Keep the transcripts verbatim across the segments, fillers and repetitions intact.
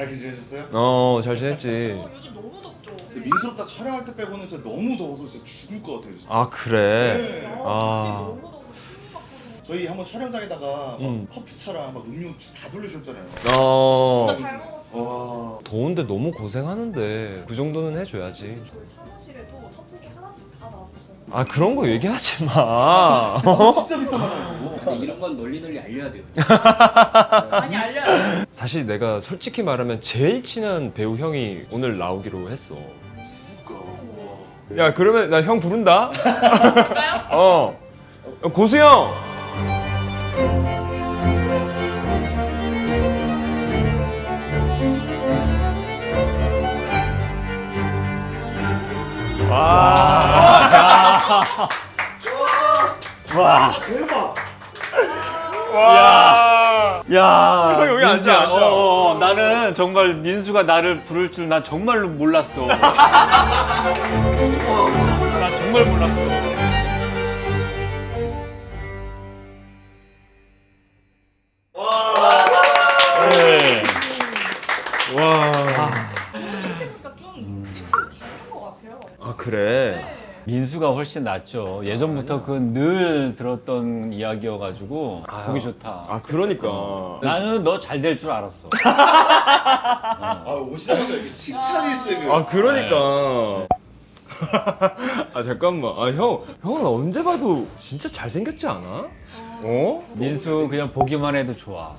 잘 지내셨어요? 어, 잘 지냈지. 어, 요즘 너무 덥죠. 진짜 민수롭다 촬영할 때 빼고는 진짜 너무 더워서 진짜 죽을 것 같아요 진짜. 아, 그래? 네. 아, 아. 너무 더워. 숨이 막히고. 저희 한번 촬영장에다가 막 음. 커피차랑 막 음료 다 돌려주셨잖아요. 어. 진짜 잘 먹었어. 와. 더운데 너무 고생하는데 그 정도는 해줘야지. 저희 사무실에도 선풍기 하나씩 다 놔줬어요. 아, 그런 거 얘기하지 마. 아, 진짜 비싼 거잖아요. 근데 이런 건 널리 널리 알려야 돼요. 많이 알려요. 사실 내가 솔직히 말하면 제일 친한 배우 형이 오늘 나오기로 했어. 야, 그러면 나 형 부른다. 볼까요? 어. 고수 형. 와, 대박. 와. 야, 형 여기 앉아, 민수야, 앉아. 어, 어, 나는 정말 민수가 나를 부를 줄 난 정말로 몰랐어. 나 정말 몰랐어. 네. 와. 이렇게 보니까 좀 그림체가 다른 것 같아요. 아, 그래. 민수가 훨씬 낫죠. 예전부터 그 늘 들었던 이야기여가지고 보기 좋다. 아, 그러니까. 나는 너 잘 될 줄 알았어. 아 오시자마자 이렇게 칭찬 일색을. 아, 그러니까. 아, 잠깐만. 아, 형, 형은 언제 봐도 진짜 잘생겼지 않아? 어? 민수 그냥 보기만 해도 좋아.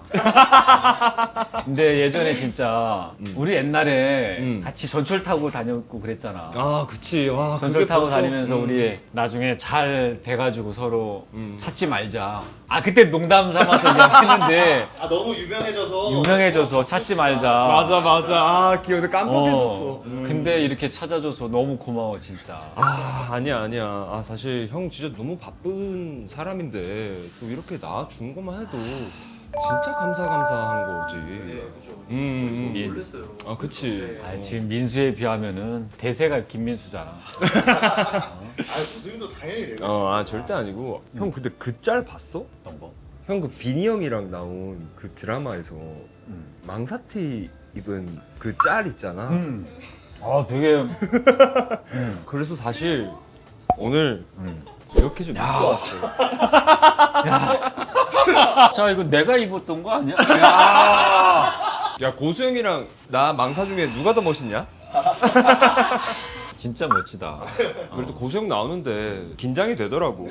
근데 예전에 진짜 우리 옛날에 음. 같이 전철 타고 다녔고 그랬잖아. 아, 그치. 와, 전철 그게 타고 벌써- 다니면서 음. 우리 나중에 잘 돼가지고 서로 음. 찾지 말자. 아 그때 농담 삼아서 이야기했는데 아 너무 유명해져서. 유명해져서 찾지 말자. 맞아, 맞아. 아, 기억나. 깜빡했었어. 어, 근데 이렇게 찾아줘서 너무 고마워 진짜. 아, 아니야, 아니야. 아, 사실 형 진짜 너무 바쁜 사람인데 또 이렇게 나와준 것만 해도 진짜 감사 감사한 거지. 그렇죠. 음, 음. 민- 놀랐어요. 아, 그치. 아, 지금 민수에 비하면은 대세가 김민수잖아. 아 교수님도 당연히 돼요. 어, 아, 절대 아니고. 형, 근데 그 짤 봤어? 어떤 거? 형, 그 비니 형이랑 나온 그 드라마에서 음. 망사티 입은 그 짤 있잖아. 음. 아 되게. 그래서 사실 오늘 음. 이렇게 좀 입고 왔어. 자 이거 내가 입었던 거 아니야? 야. 야, 고수 형이랑 나 망사 중에 누가 더 멋있냐? 진짜 멋지다. 그래도 고수 형 나오는데 긴장이 되더라고.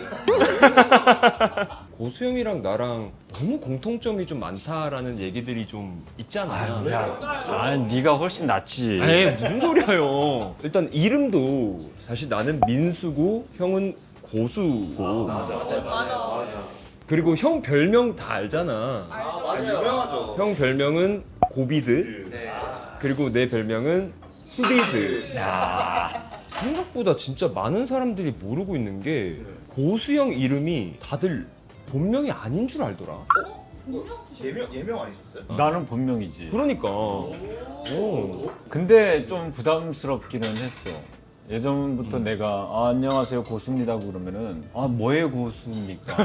고수 형이랑 나랑 너무 공통점이 좀 많다라는 얘기들이 좀 있잖아. 야, 아, 네가 훨씬 낫지. 에이, 무슨 소리야, 형. 일단 이름도 사실 나는 민수고 형은 고수고. 맞아 맞아 맞아. 그리고 형 별명 다 알잖아. 아 맞아 유명하죠. 형 별명은 고비드. 네. 그리고 내 별명은 수비드. 야, 생각보다 진짜 많은 사람들이 모르고 있는 게 고수 형 이름이 다들 본명이 아닌 줄 알더라. 분명 쓰셨어요. 예명 예명 아니셨어요? 나는 본명이지. 그러니까. 오. 오. 근데 좀 부담스럽기는 했어. 예전부터 내가 아, 안녕하세요 고수입니다 그러면은 아 뭐의 고수입니까?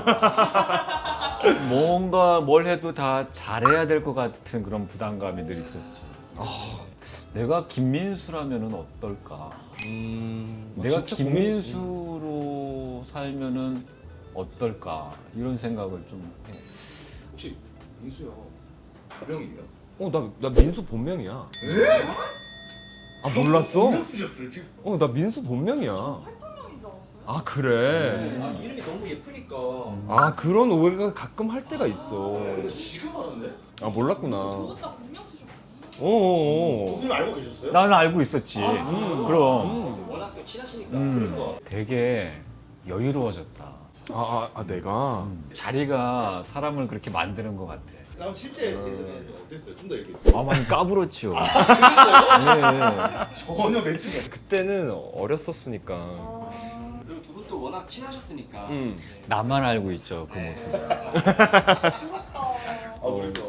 뭔가 뭘 해도 다 잘해야 될 것 같은 그런 부담감이 늘 있었지. 아, 내가 김민수라면은 어떨까? 음, 내가 진짜 김민수로 살면은 어떨까? 이런 생각을 좀 해. 혹시 민수요 본명이에요? 고마워. 어, 나, 나 민수 본명이야. 아, 몰랐어? 본명 쓰셨어요 지금? 어, 나 민수 본명이야. 활동명인 줄 알았어요. 아, 그래? 음. 아, 이름이 너무 예쁘니까. 아, 그런 오해가 가끔 할 때가 있어. 근데 지금 알았네? 아, 몰랐구나. 두 분 다 분명 쓰셨거든요. 어어어. 교수님 알고 계셨어요? 나는 알고 있었지. 음. 그럼 워낙 또 친하시니까. 음, 그래서 되게 여유로워졌다. 아, 아, 아, 내가? 자리가 사람을 그렇게 만드는 것 같아. 그럼 실제 예전에 어땠어요? 좀 더 얘기해 주세요. 아, 많이 까불었지요. 그랬어요? 예. 전혀 매칭이 그때는 어렸었으니까. 아, 그리고 두 분도 워낙 친하셨으니까. 음. 나만 알고 있죠, 그 모습. 부럽다. 아 그러니까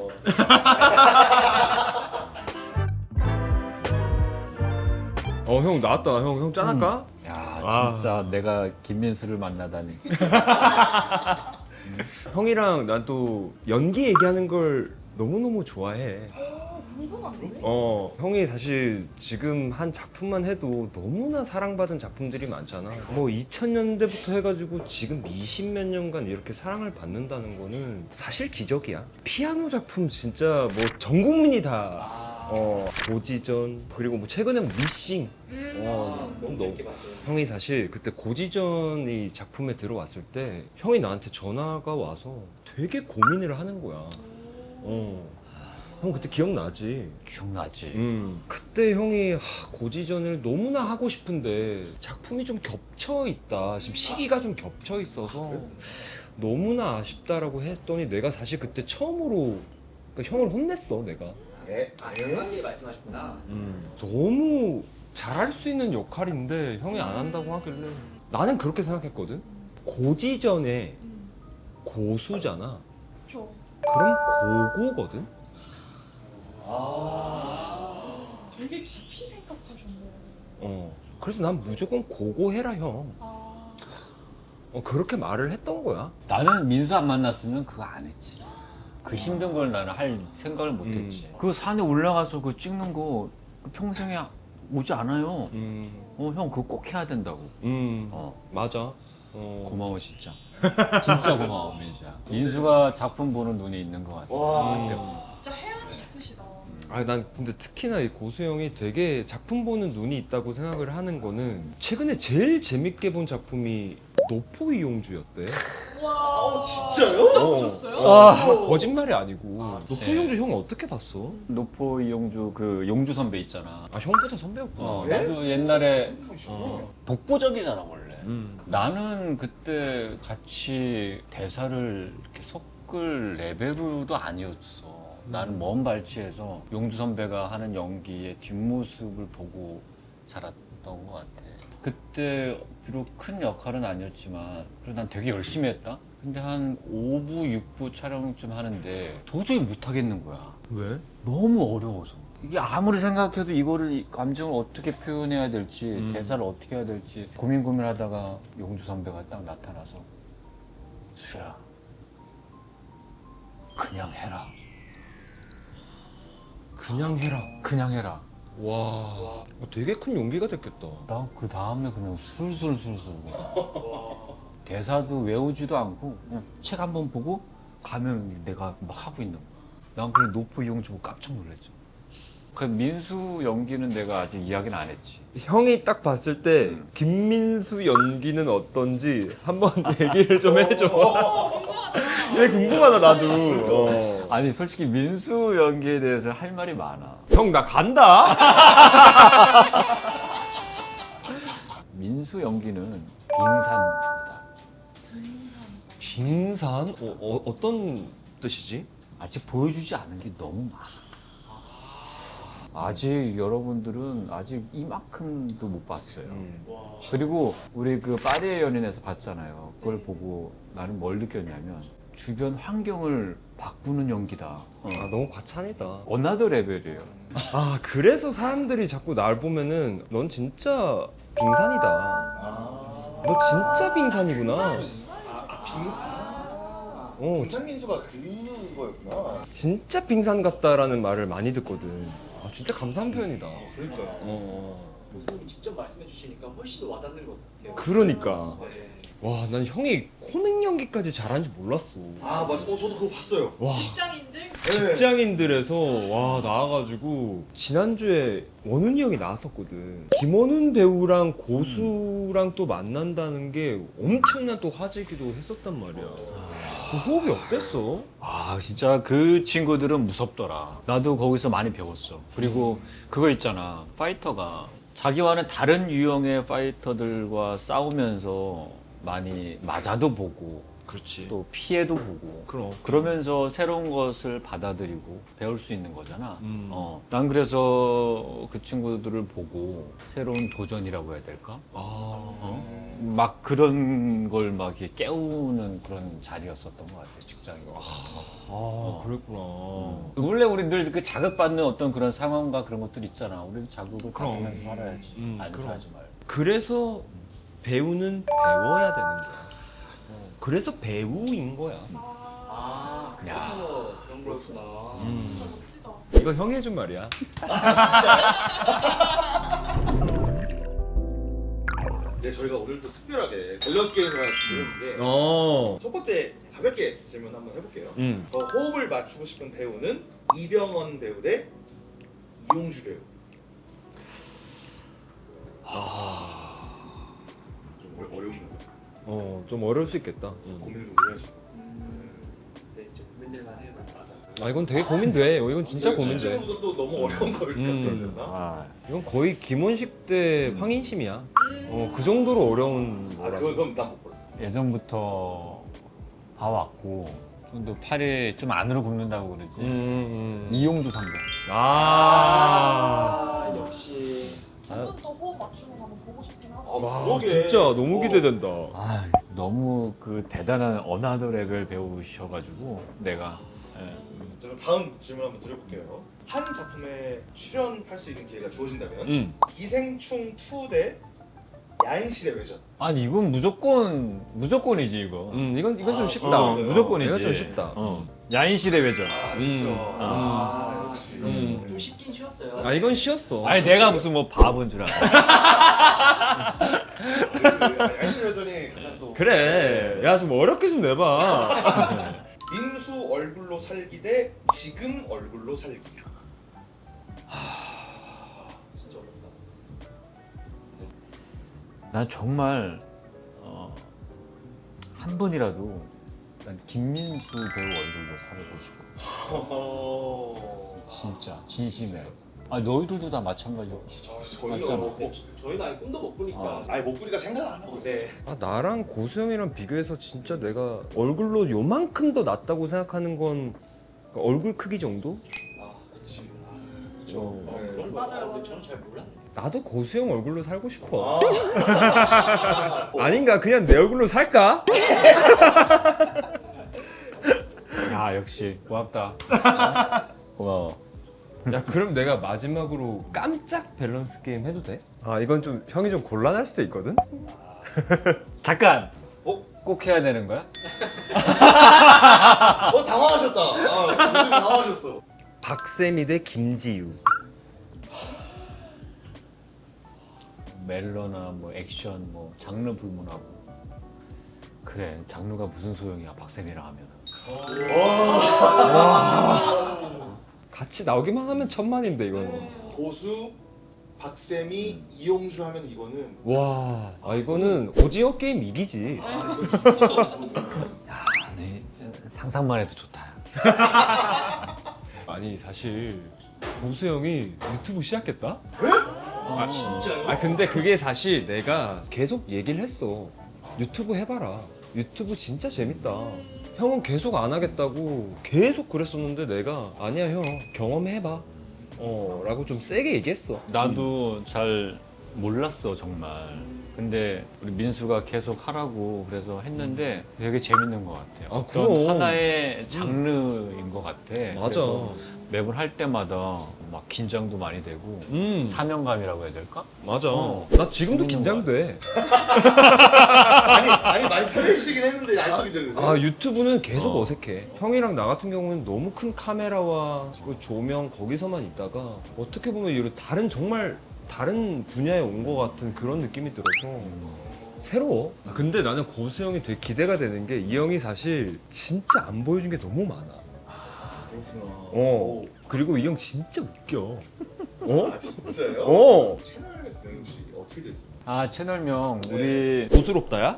어, 형 나왔다. 형, 형 짠할까? 야, 아. 진짜 내가 김민수를 만나다니. 형이랑 난 또 연기 얘기하는 걸 너무너무 좋아해. 어, 궁금한데? 어, 형이 사실 지금 한 작품만 해도 너무나 사랑받은 작품들이 많잖아. 뭐 이천 년대부터 해가지고 지금 이십몇 년간 이렇게 사랑을 받는다는 거는 사실 기적이야. 피아노 작품 진짜 뭐 전 국민이 다 어, 고지전 그리고 뭐 최근에 미싱. 음. 어, 너무 너- 재밌게 봤죠. 형이 사실 그때 고지전이 작품에 들어왔을 때 형이 나한테 전화가 와서 되게 고민을 하는 거야. 어. 형 그때 기억나지? 기억나지. 음. 그때 형이 하, 고지전을 너무나 하고 싶은데 작품이 좀 겹쳐 있다. 지금 시기가 좀 겹쳐 있어서 너무나 아쉽다라고 했더니 내가 사실 그때 처음으로 그러니까 형을 혼냈어, 내가. 예? 아, 그렇게 말씀하셨구나. 음. 너무 잘할 수 있는 역할인데 형이 안 한다고 하길래 나는 그렇게 생각했거든. 고지전에 음. 고수잖아. 그쵸. 그럼 고고거든. 되게 깊이 생각하셨네. 어. 그래서 난 무조건 고고해라 형. 아. 어, 그렇게 말을 했던 거야. 나는 민수 안 만났으면 그거 안 했지. 그 힘든 걸 나는 할 생각을 못 했지. 음. 그 산에 올라가서 그 찍는 거 평생에 오지 않아요. 음. 어, 형 그거 꼭 해야 된다고. 음. 어, 맞아. 어. 고마워 진짜. 진짜 고마워 민수야. 민수가 작품 보는 눈이 있는 것 같아. 와. 그때부터. 진짜 해안이 있으시다. 아, 난 근데 특히나 이 고수 형이 되게 작품 보는 눈이 있다고 생각을 하는 거는 최근에 제일 재밌게 본 작품이 노포 이용주였대. 와. 아, 진짜요? 진짜 어. 보셨어요? 어, 정말 거짓말이 아니고. 아, 노포 네. 이용주 형 어떻게 봤어? 노포 이용주 그 용주 선배 있잖아. 아, 형보다 선배였구나. 어, 네? 나도 옛날에 어. 독보적이잖아 원래. 음. 나는 그때 같이 대사를 이렇게 섞을 레벨도 아니었어. 나는 먼 발치에서 용주 선배가 하는 연기의 뒷모습을 보고 자랐던 것 같아. 그때 비록 큰 역할은 아니었지만 그래도 난 되게 열심히 했다. 근데 한 오 부, 육 부 촬영쯤 하는데 도저히 못 하겠는 거야. 왜? 너무 어려워서. 이게 아무리 생각해도 이거를 이 감정을 어떻게 표현해야 될지 음. 대사를 어떻게 해야 될지 고민 고민하다가 용주 선배가 딱 나타나서 수야 그냥 해라 그냥 해라. 그냥 해라. 와. 어, 되게 큰 용기가 됐겠다. 나 그 다음에 그냥 술술술술 대사도 외우지도 않고 그냥 책 한 번 보고 가면 내가 막 하고 있는 거야. 난 그래 노포 이용주 보고 깜짝 놀랐죠. 그 민수 연기는 내가 아직 이야기는 안 했지. 형이 딱 봤을 때 김민수 연기는 어떤지 한번 얘기를 좀 해줘. 왜 궁금하다 나도. 어. 아니 솔직히 민수 연기에 대해서 할 말이 많아. 형 나 간다. 민수 연기는 빙산이다. 빙산? 어, 어, 어떤 뜻이지? 아직 보여주지 않은 게 너무 많아. 아직 여러분들은 아직 이만큼도 못 봤어요. 음. 그리고 우리 그 파리의 연인에서 봤잖아요. 그걸 보고 나는 뭘 느꼈냐면 주변 환경을 바꾸는 연기다. 어. 아 너무 과찬이다. 어나더 레벨이에요. 아 그래서 사람들이 자꾸 날 보면은 넌 진짜 빙산이다. 아. 너 진짜 빙산이구나. 아, 아, 빙. 아. 어. 빙산민수가 그 거였구나. 진짜 빙산 같다라는 말을 많이 듣거든. 아 진짜 감사한 표현이다. 그러니까요. 교수님이 직접 말씀해 주시니까 훨씬 더 와닿는 것 같아요. 그러니까. 네. 와 난 형이 코믹 연기까지 잘하는지 몰랐어. 아 맞아. 어 저도 그거 봤어요. 와 직장인들? 네. 직장인들에서 와 나와가지고 지난주에 원훈이 형이 나왔었거든. 김원훈 배우랑 고수랑 또 만난다는 게 엄청난 또 화제기도 했었단 말이야. 그 호흡이 어땠어? 아 진짜 그 친구들은 무섭더라. 나도 거기서 많이 배웠어. 그리고 그거 있잖아. 파이터가 자기와는 다른 유형의 파이터들과 싸우면서 많이 맞아도 보고 그렇지. 또 피해도 보고 그럼. 그러면서 새로운 것을 받아들이고 배울 수 있는 거잖아. 음. 어, 난 그래서 그 친구들을 보고 새로운 도전이라고 해야 될까? 아. 어? 막 그런 걸 막 이렇게 깨우는 그런 자리였었던 것 같아 직장이. 아 그랬구나. 원래 우리 늘 그 자극받는 어떤 그런 상황과 그런 것들 있잖아. 우리도 자극을 그럼. 받으면서 살아야지. 음, 안 그럼. 살지 말고. 그래서 배우는 배워야 되는 거야. 그래서 배우인 거야. 아. 아, 그래서 그런 거였구나. 음. 진짜 멋지다. 이거 형이 해준 말이야. 네, 저희가 오늘 또 특별하게 밸런스 게임을 하나 준비했는데 어. 첫 번째 가볍게 질문 한번 해볼게요. 음. 저 호흡을 맞추고 싶은 배우는 이병헌 배우 대 이용주 배우. 좀 어려- 어려운 거 어, 좀 어려울 수 있겠다. 음. 고민을 오래 하시고. 네, 이제 고민될만 해요. 맞아. 아, 이건 되게 고민돼. 이건 진짜 고민돼. 질문부터 또 너무 어려운 걸 음. 같았나? 아, 이건 거의 김원식 대 황인심이야. 어, 그 정도로 어려운 아, 거라고. 그건 그건 난못 볼래. 예전부터 봐왔고 좀 더 팔이 좀 안으로 굽는다고 그러지. 음, 음. 이용주 선배. 아. 아, 역시. 두 분 또 호흡 맞추는 거 한번 보고 싶긴 하다. 아, 와, 그러게. 진짜 너무 어. 기대된다. 아, 너무 그 대단한 어나더 레벨 배우셔가지고 내가. 예. 자, 그럼 다음 질문 한번 드려볼게요. 한 작품에 출연할 수 있는 기회가 주어진다면 음. 기생충 투 대 야인시대 외전. 아니 이건 무조건 무조건이지 이거. 음, 이건 이건 좀 아, 쉽다. 어, 그래요? 무조건이지. 이건 좀 쉽다. 어. 야인 시대 외전. 아, 음. 그렇죠. 음. 아, 역시. 음. 좀 쉽긴 쉬웠어요. 아, 이건 쉬웠어. 아니 내가 무슨 뭐 바본 줄 알아. 아, 야인시대 외전이 가장 또 그래. 야, 좀 어렵게 좀 내봐. 민수 얼굴로 살기 대 지금 얼굴로 살기. 진짜 어렵다. 난 정말 어, 한 번이라도 난 김민수 배우 얼굴로 살고 싶어. 어... 진짜 진심에. 아 너희들도 다 마찬가지고. 저, 저희가 맞잖아. 뭐, 저희가 아예 꿈도 못 꾸니까. 어. 아니 못 보니까 생각 안 하고 있어요. 네. 아, 나랑 고수영이랑 비교해서 진짜 내가 얼굴로 요만큼 더 낫다고 생각하는 건 얼굴 크기 정도? 아, 그치. 아, 그쵸. 어. 어, 네. 그런 거 맞아요, 근데 맞아요. 저는 잘 몰랐네. 나도 고수영 얼굴로 살고 싶어. 아. 아닌가? 그냥 내 얼굴로 살까? 야 역시 고맙다. 고마워. 야, 그럼 내가 마지막으로 깜짝 밸런스 게임 해도 돼? 아, 이건 좀 형이 좀 곤란할 수도 있거든? 잠깐. 어? 꼭 해야 되는 거야? 어 당황하셨다. 아, 무슨 당황하셨어. 박세미 대 김지유. 멜로나 뭐 액션 뭐 장르 불문하고. 그래 장르가 무슨 소용이야 박세미랑 하면은. 같이 나오기만 하면 천만인데 이거는. 고수, 박세미, 이용주 하면 이거는 와, 아 이거는 오징어 게임 이기지. 아 이거 진짜 어렵거든요. 아니 상상만 해도 좋다. 아니 사실 고수 형이 유튜브 시작했다? 아, 진짜요? 아 근데 그게 사실 내가 계속 얘기를 했어. 유튜브 해봐라. 유튜브 진짜 재밌다. 형은 계속 안 하겠다고 계속 그랬었는데 내가 아니야 형 경험해봐. 어 라고 좀 세게 얘기했어. 나도 잘 몰랐어 정말. 근데 우리 민수가 계속 하라고 그래서 했는데 되게 재밌는 것 같아요. 아, 어떤 그럼. 하나의 장르인 것 같아. 맞아. 그래서 매번 할 때마다 막 긴장도 많이 되고 음 사명감이라고 해야 될까? 맞아. 어. 나 지금도 재밌는 긴장돼. 아니 아니 많이 편해지시긴 했는데 아직도 긴장되세요? 아 유튜브는 계속 어. 어. 색해 형이랑 나 같은 경우는 너무 큰 카메라와 그 조명 거기서만 있다가 어떻게 보면 이런 다른 정말 다른 분야에 온 것 같은 그런 느낌이 들어서 새로워. 아, 근데 나는 고수 형이 되게 기대가 되는 게 이 형이 사실 진짜 안 보여준 게 너무 많아. 그렇구나. 어. 그리고 이 형 진짜 웃겨. 어? 아 진짜요? 어. 채널 명이 혹시 어떻게 되세요? 아 채널명 네. 우리 고수롭다야?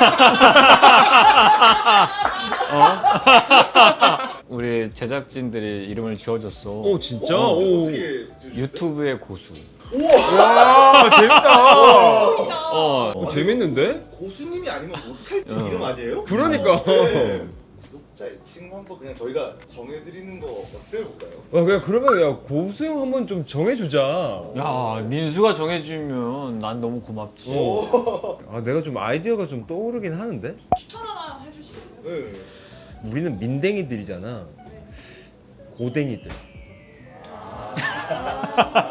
우리 제작진들이 이름을 지어줬어. 오 진짜? 어, 오. 어떻게 지어주셨어요? 유튜브의 고수. 와 재밌다. 어. 어, 재밌는데? 고수님이 아니면 못할 줄 어. 이름 아니에요? 그러니까. 네. 구독자 애칭 한번 그냥 저희가 정해드리는 거 어때요 볼까요? 어, 그냥 그러면 야 고수 형 한번 좀 정해주자. 야 민수가 정해주면 난 너무 고맙지. 어. 아 내가 좀 아이디어가 좀 떠오르긴 하는데. 추천 하나 해주시겠어요? 네. 우리는 민댕이들이잖아. 고댕이들.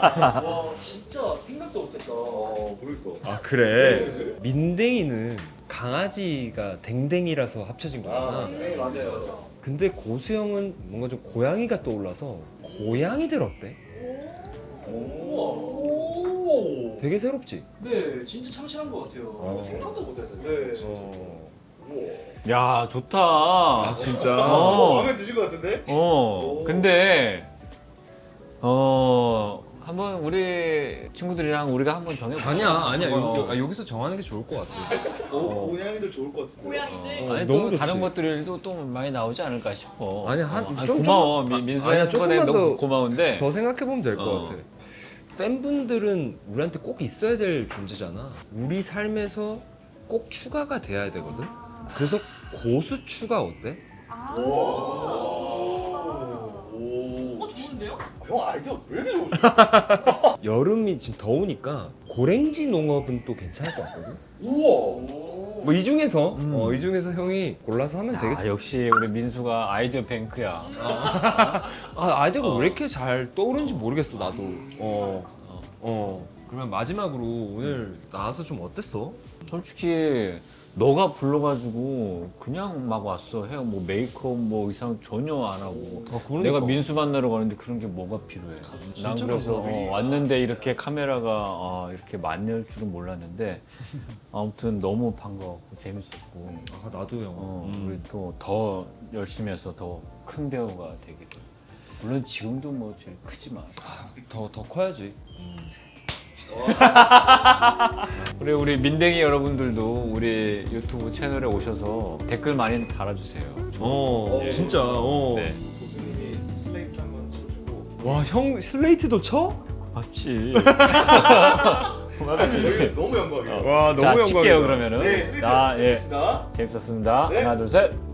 와, 진짜 생각도 못했다. 어 그러니까. 아 그래. 민댕이는 강아지가 댕댕이라서 합쳐진 거잖아. 네 맞아요. 근데 고수영은 뭔가 좀 고양이가 떠올라서 고양이들 어때? 오. 되게 새롭지? 네, 진짜 참신한 것 같아요. 어. 생각도 못했어요. 네. 어. 야 좋다. 아 진짜? 어. 마음에 드실 것 같은데? 어 오. 근데 어 한번 우리 친구들이랑 우리가 한번 정해볼까? 아니야 아니야 어. 여, 아, 여기서 정하는 게 좋을 것 같아. 오, 고양이들 좋을 것 같은데. 고양이들. 어. 아니 너무 또 좋지. 다른 것들도 또 많이 나오지 않을까 싶어. 아니, 한- 어, 아니, 좀- 고마워 좀- 민- 민수 아니야, 한 번에 조금만 너무 더- 고마운데. 더 생각해보면 될 것 어. 같아. 팬분들은 우리한테 꼭 있어야 될 존재잖아. 우리 삶에서 꼭 추가가 돼야 되거든. 그래서 고수추가 어때? 오. 어 좋은데요? 형 아이디어 왜 이렇게 좋으시죠? 여름이 지금 더우니까 고랭지 농업은 또 괜찮을 것 같거든. 우와. 뭐 이 중에서 음. 어, 이 중에서 형이 골라서 하면 되겠지. 아 역시 우리 민수가 아이디어 뱅크야. 아 아이디어가 어. 왜 이렇게 잘 떠오르는지 모르겠어 나도. 어. 어. 그러면 마지막으로 오늘 나와서 좀 어땠어? 솔직히 너가 불러가지고 그냥 막 왔어. 해 뭐 메이크업 뭐 이상 전혀 안 하고. 아, 그러니까. 내가 민수 만나러 가는데 그런 게 뭐가 필요해. 난 진짜 그래서 감사하다. 어, 왔는데 이렇게 카메라가 어, 이렇게 많을 줄은 몰랐는데 아무튼 너무 반가웠고 재밌었고 아 나도 형. 어, 음. 우리 또 더 열심히 해서 더 큰 배우가 되기를. 물론 지금도 뭐 제일 크지만 더 더 커야지. 우리 우리 민댕이 여러분들도 우리 유튜브 채널에 오셔서 댓글 많이 달아주세요. 어, 예. 진짜. 어. 네. 교수님이 슬레이트 한번 쳐주고 와, 형 슬레이트도 쳐? 맞지. 저희가 너무 영광이에요. 와, 자, 킬게요 그러면은. 네, 슬레이트 자, 예. 드리겠습니다. 재밌었습니다. 네. 하나, 둘, 셋.